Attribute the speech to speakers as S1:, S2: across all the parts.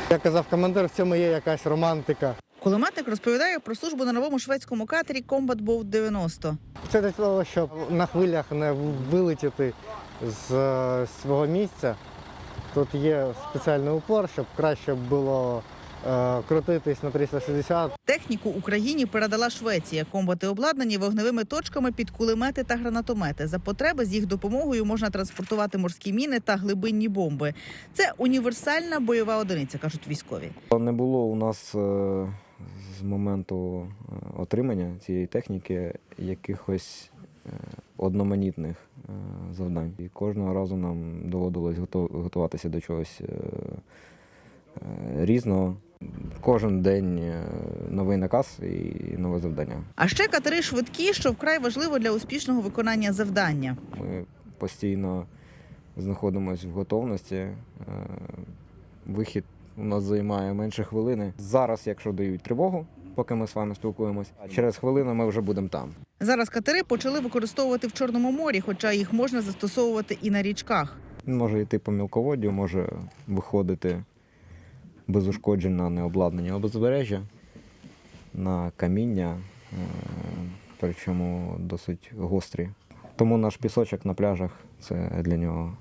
S1: Як казав командир, в цьому є якась романтика.
S2: Кулеметник розповідає про службу на новому шведському катері Combat Boat 90.
S1: Це для того, щоб на хвилях не вилетіти з свого місця. Тут є спеціальний упор, щоб краще було крутитись на 360.
S2: Техніку Україні передала Швеція. Комбати обладнані вогневими точками під кулемети та гранатомети. За потреби з їх допомогою можна транспортувати морські міни та глибинні бомби. Це універсальна бойова одиниця, кажуть військові.
S3: Не було у нас з моменту отримання цієї техніки якихось одноманітних завдань. І кожного разу нам доводилось готуватися до чогось різного. Кожен день новий наказ і нове завдання.
S2: А ще катери швидкі, що вкрай важливо для успішного виконання завдання.
S3: Ми постійно знаходимося в готовності. Вихід у нас займає менше хвилини. Зараз, якщо дають тривогу, поки ми з вами спілкуємося, через хвилину ми вже будемо там.
S2: Зараз катери почали використовувати в Чорному морі, хоча їх можна застосовувати і на річках.
S3: Він може йти по мілководдю, може виходити без ушкоджень на необладнання узбережжя, на каміння, причому досить гострі. Тому наш пісочок на пляжах – це для нього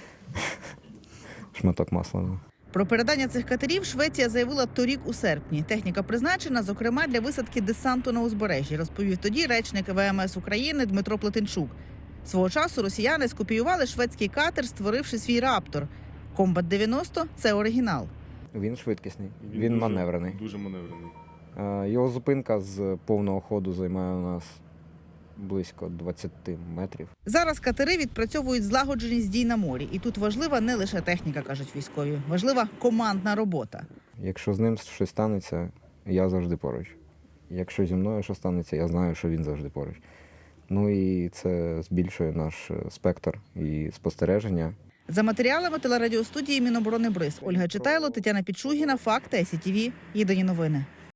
S3: шматок масла.
S2: Про передання цих катерів Швеція заявила торік у серпні. Техніка призначена, зокрема, для висадки десанту на узбережжі, розповів тоді речник ВМС України Дмитро Плетенчук. Свого часу росіяни скопіювали шведський катер, створивши свій «Раптор». Combat 90 – це оригінал.
S3: Він швидкісний, він маневрений.
S4: Дуже маневрений.
S3: Його зупинка з повного ходу займає у нас близько 20 метрів.
S2: Зараз катери відпрацьовують злагодженість дій на морі. І тут важлива не лише техніка, кажуть військові. Важлива командна робота.
S3: Якщо з ним щось станеться, я завжди поруч. Якщо зі мною щось станеться, я знаю, що він завжди поруч. Ну і це збільшує наш спектр і спостереження.
S2: За матеріалами телерадіостудії Міноборони БРИЗ. Ольга Читайло, Тетяна Підшугіна, Факти, СІТВ. Єдині новини.